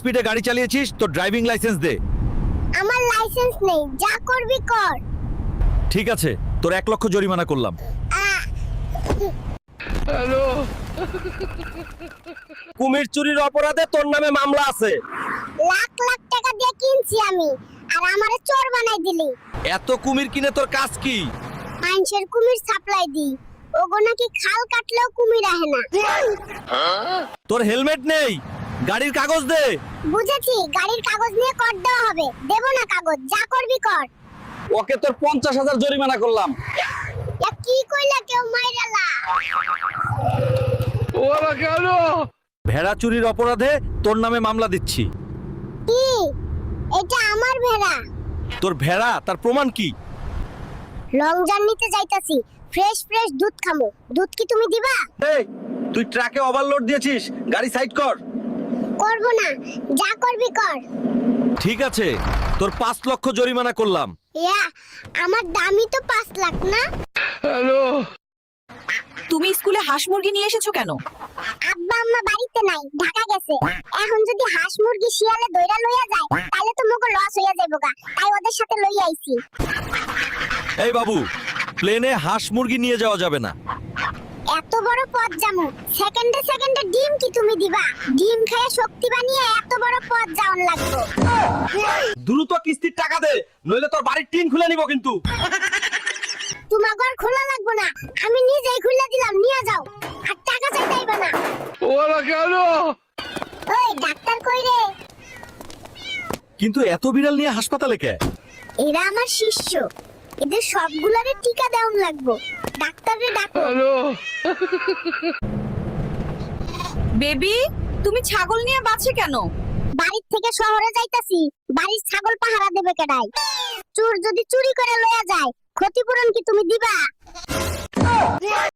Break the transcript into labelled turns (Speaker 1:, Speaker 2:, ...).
Speaker 1: স্পিডে গাড়ি চালিয়েছিস, তোর ড্রাইভিং লাইসেন্স দে।
Speaker 2: আমার লাইসেন্স নেই, যা করবি কর।
Speaker 1: ঠিক আছে, তোর 1 লক্ষ জরিমানা করলাম।
Speaker 3: কুমির চুরির অপরাধে তোর নামে মামলা আছে।
Speaker 2: লাখ লাখ টাকা দিয়ে কিনছি আমি, আর আমারে চোর বানাই দিলি।
Speaker 1: এত কুমির কিনে তোর কাজ কি?
Speaker 2: মানুষের কুমির সাপ্লাই দি, ওগো নাকি খাল কাটলেও কুমির আহে না।
Speaker 1: তোর হেলমেট নেই, গাড়ির কাগজ দে।
Speaker 2: বুঝেছি, গাড়ির কাগজ নিয়ে কর দেওয়া হবে। দেব না কাগজ, যা করবি কর।
Speaker 3: ওকে তোর 50,000 জরিমানা করলাম।
Speaker 2: এ কি কইলা, কেউ মাইরালা?
Speaker 1: ভেড়া চুরির অপরাধে তোর নামে মামলা দিচ্ছি।
Speaker 2: কি? এটা আমার ভেড়া।
Speaker 1: তোর ভেড়া, তার প্রমাণ কি?
Speaker 2: লং জার্নিতে যাইতাছি, ফ্রেশ ফ্রেশ দুধ খামু। দুধ কি তুমি দিবা?
Speaker 3: এই তুই ট্রাকে ওভারলোড দিয়েছিস, গাড়ি সাইড কর।
Speaker 2: করব না, যা করবি কর।
Speaker 1: ঠিক আছে, তোর 5 লক্ষ জরিমানা করলাম।
Speaker 2: ইয়া, আমার দামই তো 5 লাখ না।
Speaker 4: তুমি স্কুলে হাঁস মুরগি নিয়ে এসেছো কেন?
Speaker 2: আব্বা আম্মা বাড়িতে নাই, ঢাকা গেছে। এখন যদি হাঁস মুরগি শিয়ালে দইরা লইয়া যায়, তাহলে তো মোগো লস হইয়া যাইবো গা। তাই ওদের সাথে লইয়া আইছি।
Speaker 1: এই বাবু, প্লেনে হাঁস মুরগি নিয়ে যাওয়া যাবে না।
Speaker 2: এত বড় পথ যামু, সেকেন্ডে সেকেন্ডে ডিম কি তুমি দিবা? ডিম খেয়ে শক্তি বানিয়ে এত বড় পথ যাওন লাগবো।
Speaker 3: দ্রুত কিস্তির টাকা দে, নইলে তোর বাড়ির টিন খুলে নিব কিন্তু।
Speaker 2: তোমার ঘর খোলা লাগবো না, আমি নিজেই খুলে দিলাম, নিয়ে যাও। আর টাকা চাইতাইবা না। ওই ডাক্তার কই রে?
Speaker 1: কিন্তু এত বিড়াল নিয়ে হাসপাতালে কে?
Speaker 2: এরা আমার শিষ্য, এদের সবগুলারে টিকা দেওন লাগবো। ডাক্তারে ডাকো।
Speaker 4: বেবি, তুমি ছাগল নিয়ে বাঁচে কেন?
Speaker 2: বাড়ির থেকে শহরে যাইতাছি, বাড়ির ছাগল পাহারা দেবে কেডাই? চোর যদি চুরি করে লয়া যায়, ক্ষতিপূরণ কি তুমি দিবা?